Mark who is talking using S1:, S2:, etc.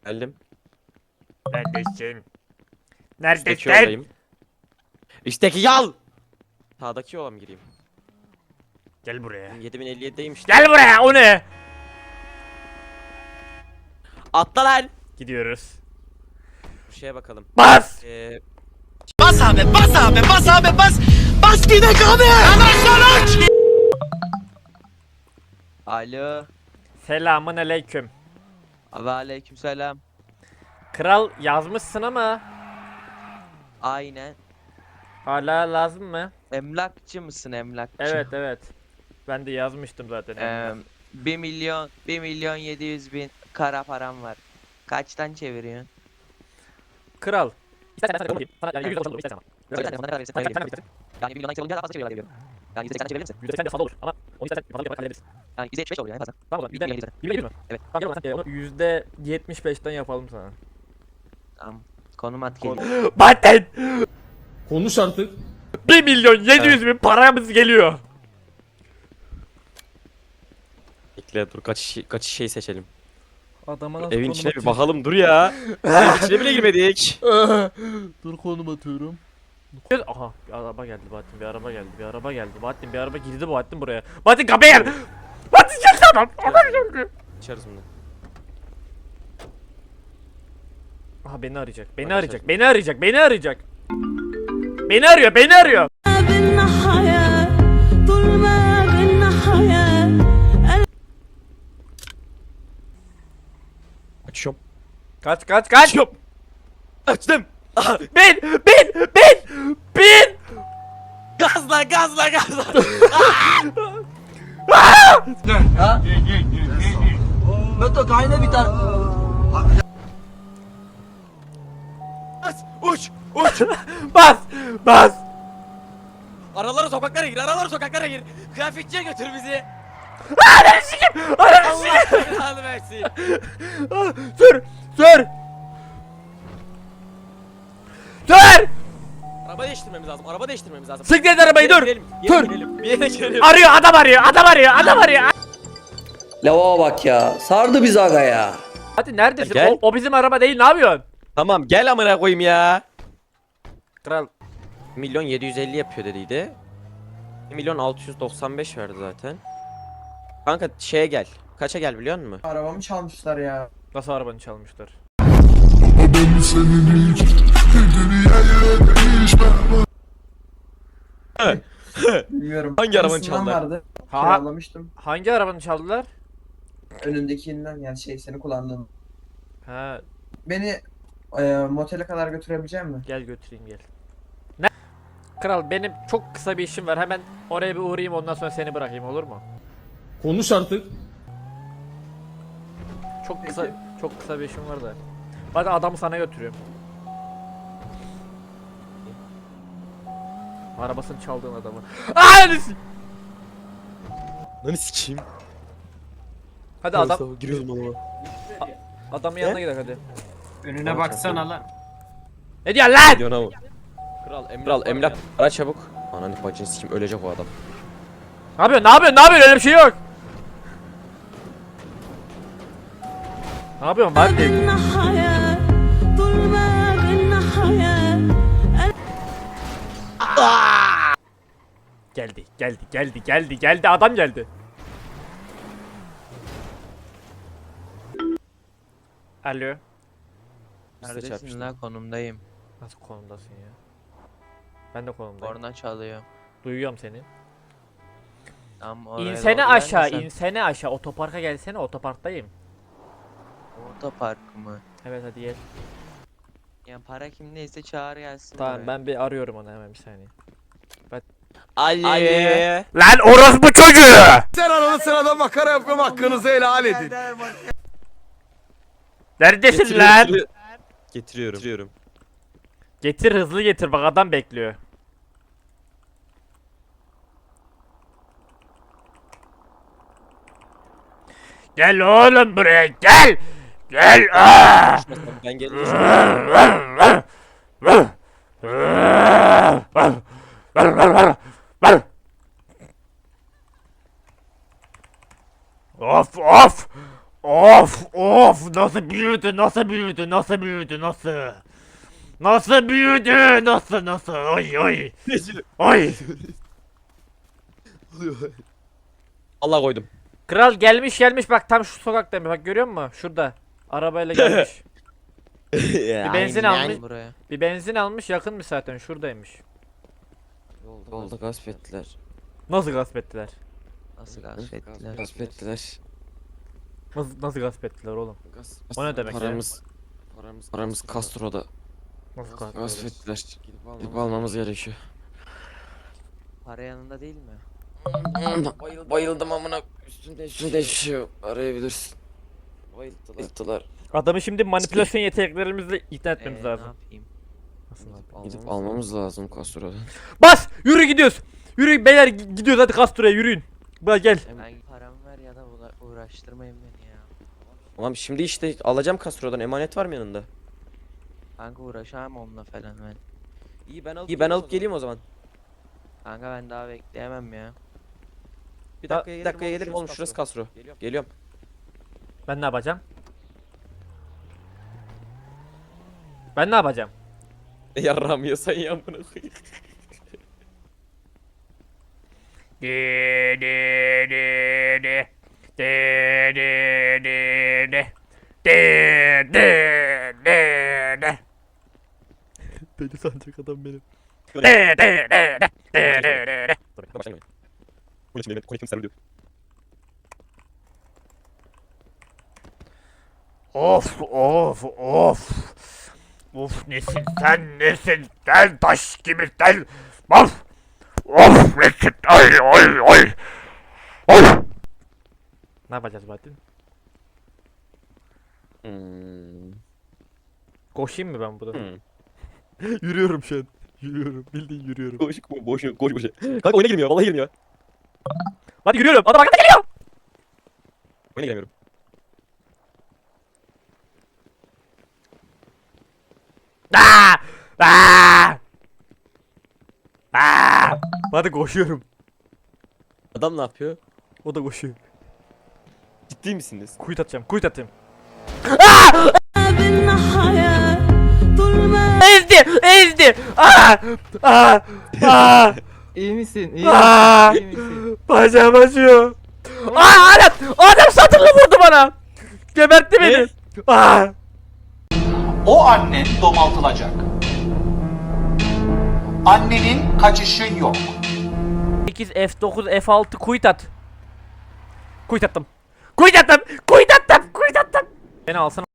S1: Geldim.
S2: Neredesin?
S1: Üstteki
S2: Neredesin?
S1: yoldayım. Üstteki yol. Sağdaki yola mı gireyim?
S2: Gel buraya.
S1: 7057'deyim işte.
S2: Gel buraya, o ne?
S1: Atla lan.
S2: Gidiyoruz.
S1: Bir şeye bakalım.
S2: Bas!
S3: Bas abi, bas abi, bas abi, bas. Bas gidek abi. Anasını.
S4: Alo.
S2: Selamun aleyküm.
S4: Ve aleykümselam.
S2: Kral yazmışsın ama
S4: Aynen.
S2: hala lazım mı?
S4: Emlakçı mısın emlakçı?
S2: Evet evet. Ben de yazmıştım zaten.
S4: 1 milyon 700 bin kara param var. Kaçtan çeviriyorsun?
S2: Kral. İstersen ben sana yapayım. Sana yani 100 oluşan olur istersen ama.
S4: Söyle ne kadar verirsin?
S2: Sen
S4: Para
S2: ne
S4: verirsin.
S2: istersin?
S4: Yani 1 milyondan yüksek olunca daha fazla çeviriyorlar diyorum. Yani %80'den çevirebilir misin?
S2: %80 de fazla olur ama onu istersen fazla yaparak hallederiz.
S4: Yani %75 oluyor en fazla.
S2: Tamam o zaman.
S4: Bir milyon
S2: %100 mü?
S4: Evet.
S2: Tamam gel o zaman sen onu %75'ten yapalım sana.
S4: Tamam. Konum at geliyor.
S2: Baten!
S5: Konuş artık.
S2: 1 milyon 700 bin paramız geliyor.
S1: Bekle dur kaç şey seçelim.
S2: Adama nasıl
S1: Evin içine bir bakalım dur ya. Evin içine bile girmedik.
S2: Dur konum atıyorum. Aha bir araba geldi Bahattin, bir araba geldi, bir araba geldi. Bahattin bir araba girdi Bahattin buraya. Bahattin kapıya gel. Bahattin gel tamam. Adam geldi.
S1: Açarız bunu.
S2: Aha beni arayacak. Beni
S1: Hadi
S2: arayacak.
S1: şaşma.
S2: Beni arayacak. Beni arayacak. Beni arıyor. Beni arıyor.
S6: بالنهاية ظلمة بالنهاية
S1: Açıyorum.
S2: Kaç kaç kaç.
S1: Açıyorum. Açtım.
S2: Bin.
S1: Gazla gazla gazla.
S3: Beto kayna biter.
S1: Uç. Uç.
S2: Bas.
S1: Aralara sokaklara gir. Aralara sokaklara gir. Kıyafetçiye götür bizi.
S2: Ananı
S1: Allah belanı versin.
S2: Sür. Sür.
S1: Araba değiştirmemiz lazım. Araba değiştirmemiz lazım.
S2: Siktir et arabayı dur.
S1: Girelim,
S2: Dur.
S1: girelim. Bir yere girelim.
S2: Arıyor adam arıyor. Adam arıyor.
S7: Lava bak ya. Sardı biz aga ya.
S2: Hadi neredesin?
S1: Gel.
S2: O bizim araba değil. Ne yapıyorsun?
S1: Tamam gel amına koyayım ya.
S2: Kral.
S1: 1.750 yapıyor dediydi. 1.695 verdi zaten. Kanka şeye gel. Kaça gel biliyor musun?
S8: Arabamı çalmışlar ya.
S2: Nasıl arabanı çalmışlar?
S8: Bilmiyorum.
S1: Hangi arabanı
S8: Aynısından
S1: çaldılar?
S8: vardı.
S2: Ha.
S8: Kiralamıştım.
S2: Hangi arabanı çaldılar?
S8: Önündekinden yani seni kullandığım.
S2: Ha,
S8: Beni motele kadar götürebilecek misin?
S2: gel götüreyim gel. Ne? Kral benim çok kısa bir işim var. Hemen oraya bir uğrayayım ondan sonra seni bırakayım olur mu?
S5: Konuş artık.
S2: Çok kısa bir işim var da. Hadi adamı sana götürüyorum. Arabasını çaldığın adamı. Ananı.
S1: Lan sikeyim.
S2: Hadi adam
S1: Giriyoruz bana.
S2: adamın yanına gidelim hadi.
S8: Önüne baksana lan.
S2: Ne diyorsun lan?
S1: Gidiyorsun ama. Kral emlak ara çabuk. Ananı bacını sikeyim ölecek o adam.
S2: Ne yapıyorsun? Öyle bir şey yok. Ne yapıyorsun Martin?
S6: بالنهاية ظلمة بالنهاية
S2: Geldi adam geldi. Alo.
S4: Neredesin
S1: çarpıştık.
S4: lan konumdayım.
S2: Nasıl konumdasın ya? Ben de konumdayım.
S4: Korna çalıyor.
S2: Duyuyorum seni.
S4: Tam oraya
S2: İnsene
S4: doğru
S2: aşağı,
S4: gelmesen.
S2: insene aşağı. Otoparka gelsene, otoparktayım.
S4: Otopark mı?
S2: Evet hadi gel.
S4: Yani para kimdeyse çağır gelsin.
S2: Tamam
S4: buraya.
S2: ben bir arıyorum onu hemen bir saniye.
S1: Ali.
S2: Lan orospu çocuğu!
S3: Sen ananı sırada makara yapıyorum hakkınızı helal edin.
S2: Neredesin lan?
S1: Getiriyorum.
S2: Getir hızlı getir bak adam bekliyor. Gel oğlum buraya gel. Gel.
S1: Ben geleceğim.
S2: Of. Of nasıl büyüdü nasıl büyüdü nasıl ay
S1: Allah koydum.
S2: Kral gelmiş bak tam şu sokaktayım bak görüyor musun şurada arabayla gelmiş bir benzin almış
S4: Buraya.
S2: bir benzin almış yakınmış zaten şuradaymış.
S1: Yolda gasp ettiler.
S2: Nasıl gasp ettiler?
S4: Nasıl gasp ettiler?
S1: Gasp ettiler.
S2: Nasıl gasp ettiler oğlum? O ne demek ya?
S1: Paramız Castro'da.
S2: Nasıl gasp
S1: Gasp ettiler. Gidip almamız gerekiyor.
S4: Para yanında değil mi?
S1: Bayıldım amına. Üstümde hiçbir şey yok. Arayabilirsin. Bayılttılar.
S2: Adamı şimdi manipülasyon yeteneklerimizle ikna etmemiz
S4: Ne
S2: lazım.
S4: yapayım?
S1: Gidip almamız lazım Castro'dan.
S2: Bas! Yürü gidiyoruz. Yürü beyler gidiyoruz hadi Castro'ya yürüyün. Bak gel.
S4: Ben paramı ver ya da uğraştırmayın beni ya.
S9: Tamam şimdi işte alacağım Castro'dan, emanet var mı yanında?
S4: Kanka uğraşamam onunla falan ben.
S9: İyi ben alıp geleyim o zaman.
S4: Kanka ben daha bekleyemem ya.
S9: Bir dakikaya gelirim oğlum, şurası Castro. Geliyorum.
S2: Ben ne yapacağım? Ben ne yapacağım?
S9: Yarram yiyorsan ya amına koyayım.
S2: Beni sanacak adam benim. Of. Of nesin sen taş gibi sen. Of nesin ay. Ne yapacağız Bahattin? Koşayım mı ben burada? Yürüyorum şu an. Bildiğin yürüyorum.
S9: Boş. Kanka oyuna girmiyor, vallahi girmiyor.
S2: Hadi yürüyorum. Adam arkada geliyor.
S9: Oyuna giremiyorum.
S2: Hadi koşuyorum.
S9: Adam ne yapıyor?
S2: O da koşuyor.
S9: Ciddi misiniz?
S2: Kuyut atacağım.
S6: بالنهاية طول ما
S2: Ezdi.
S4: İyi misin?
S2: İyi
S4: misin?
S2: Bacağım acıyor. Adam satırla vurdu bana. Gebertti beni.
S3: O annen domaltılacak. Annenin kaçışı yok.
S2: 8 F9 F6 kuyut at. Kuyut attım. Beni alsana.